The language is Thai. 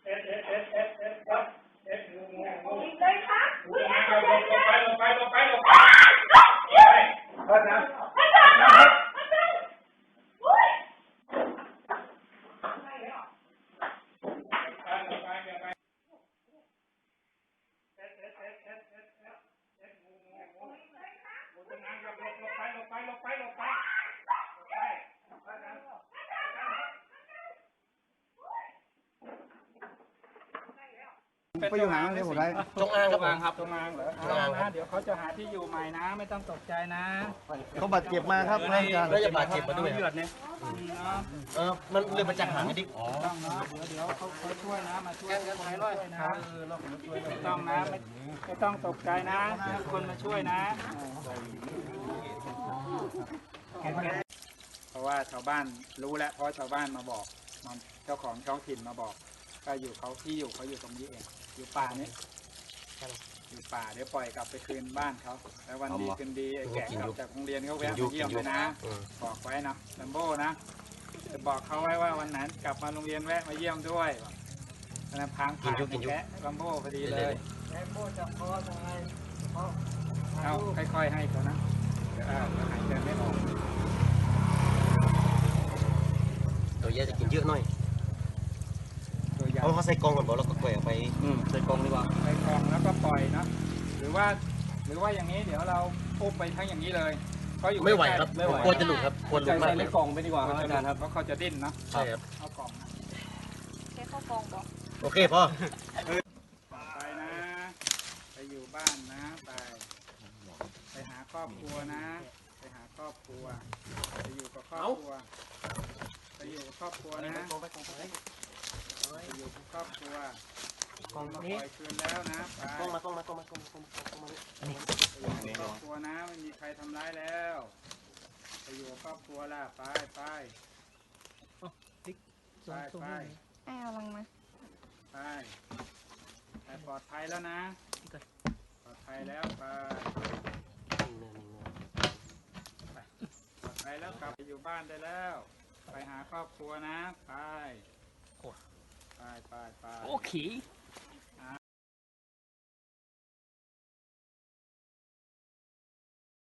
เลยครับอุ้ยลงไปไปอยู่ไหนเดี๋ยวผมได้จงอางครับผมตรงงางเหรอนะเดี๋ยวเขาจะหาที่อยู่ใหม่นะไม่ต้องตกใจนะเขาบาดเจ็บมาครับท่านอาจารย์แล้วจะบาดเจ็บมาด้วยเลือดเนี่ยมันเลยมาจากหางดิอ๋อต้องนะเดี๋ยวเขาช่วยนะมาช่วยคนช่วยนะไม่ต้องนะไม่ต้องตกใจนะคนมาช่วยนะเพราะว่าชาวบ้านรู้แล้วเพราะชาวบ้านมาบอกเจ้าของท้องถิ่นมาบอกก็อยู่เขาที่อยู่เขาอยู่ตรงนี้เองอยู่ป่านี้อยู่ป่าเดี๋ยวปล่อยกลับไปคืนบ้านเขาแล้ววันดีคืนดีไอ้แก่กลับจากโรงเรียนเขาแวะมาเยี่ยมเลยนะบอกไว้นะลัมโบ้นะจะบอกเขาไว้ว่าวันนั้นกลับมาโรงเรียนแวะมาเยี่ยมด้วยนะพังผ่านแกะลัมโบ้พอดีเลยลัมโบ้จะพอทำไงเอาค่อยๆให้เขานะเดี๋ยวหายใจไม่ออกตัวใหญ่จะกินเยอะหน่อยตัวใหญ่เขาใส่กองก่อนบอกแล้วก็แกว่งไปใส่กองดีกว่าใส่กล่องแล้วก็ปล่อยนะหรือว่าอย่างนี้เดี๋ยวเราอุ้มไปทั้งอย่างนี้เลยเขาอยู่ไม่ไหวครับกลัวจะหลุดครับกลัวหลุดมากเลยกล่องไปดีกว่าครับอาจารย์ครับเพราะเขาจะดิ้นเนาะใช่ครับเอากล่องนะแค่เข้ากองบอกโอเคพ่อไปนะไปอยู่บ้านนะไปหาครอบครัวนะไปหาครอบครัวไปอยู่กับครอบครัวไปอยู่กับครอบครัวนะไปอยู่กับครอบครัวกองมาปล่อยคืนแล้วนะไปกองมาไปอยู่กับครอบครัวนะไม่มีใครทำร้ายแล้วไปอยู่กับครอบครัวล่ะไปเอาลังมาไปปลอดภัยแล้วนะปลอดภัยแล้วไปปลอดภัยแล้วกลับไปอยู่บ้านได้แล้วไปหาครอบครัวนะไปโอเค